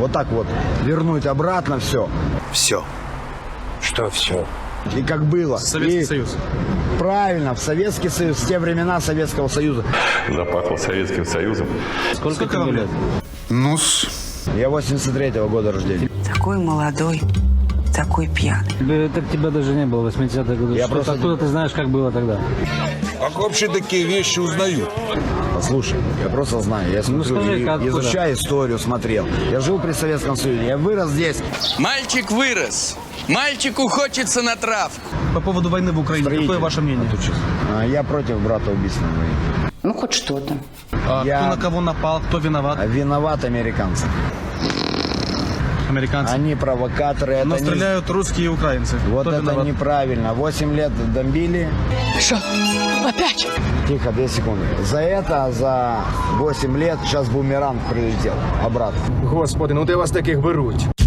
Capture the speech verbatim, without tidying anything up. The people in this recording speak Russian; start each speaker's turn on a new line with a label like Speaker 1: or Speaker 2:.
Speaker 1: Вот так вот вернуть обратно все.
Speaker 2: Все. Что все?
Speaker 1: И как было.
Speaker 3: Советский
Speaker 1: И
Speaker 3: Союз.
Speaker 1: Правильно, в Советский Союз, в те времена Советского Союза.
Speaker 4: Запахло Советским Союзом.
Speaker 3: Сколько, Сколько вам лет?
Speaker 2: Ну-с.
Speaker 1: Я восемьдесят третьего года рождения.
Speaker 5: Такой молодой, такой пьяный.
Speaker 6: Так тебя даже не было в восьмидесятых годах.
Speaker 1: Я
Speaker 6: Что,
Speaker 1: просто-
Speaker 6: откуда ты знаешь, как было тогда?
Speaker 2: Как вообще такие вещи узнают?
Speaker 1: Послушай, я просто знаю, я смотрю,
Speaker 6: скажи,
Speaker 1: и-
Speaker 6: откуда?
Speaker 1: изучаю историю, смотрел. Я жил при Советском Союзе, я вырос здесь.
Speaker 7: Мальчик вырос. Мальчику хочется на травку.
Speaker 3: По поводу войны в Украине,
Speaker 1: Строитель.
Speaker 3: какое ваше мнение?
Speaker 1: А, Я против брата убийственной войны.
Speaker 5: Ну, хоть что-то.
Speaker 3: А
Speaker 1: Я-
Speaker 3: Кто на кого напал, кто виноват?
Speaker 1: А виноват американцы.
Speaker 3: Американцы.
Speaker 1: Они провокаторы.
Speaker 3: Но
Speaker 1: это не-
Speaker 3: стреляют русские и украинцы.
Speaker 1: Вот
Speaker 3: Кто
Speaker 1: это
Speaker 3: виноват?
Speaker 1: неправильно. Восемь лет бомбили.
Speaker 5: Что? Опять?
Speaker 1: Тихо, две секунды. За это, за восемь лет, сейчас бумеранг прилетел обратно.
Speaker 8: Господи, ну де вас таких беруть?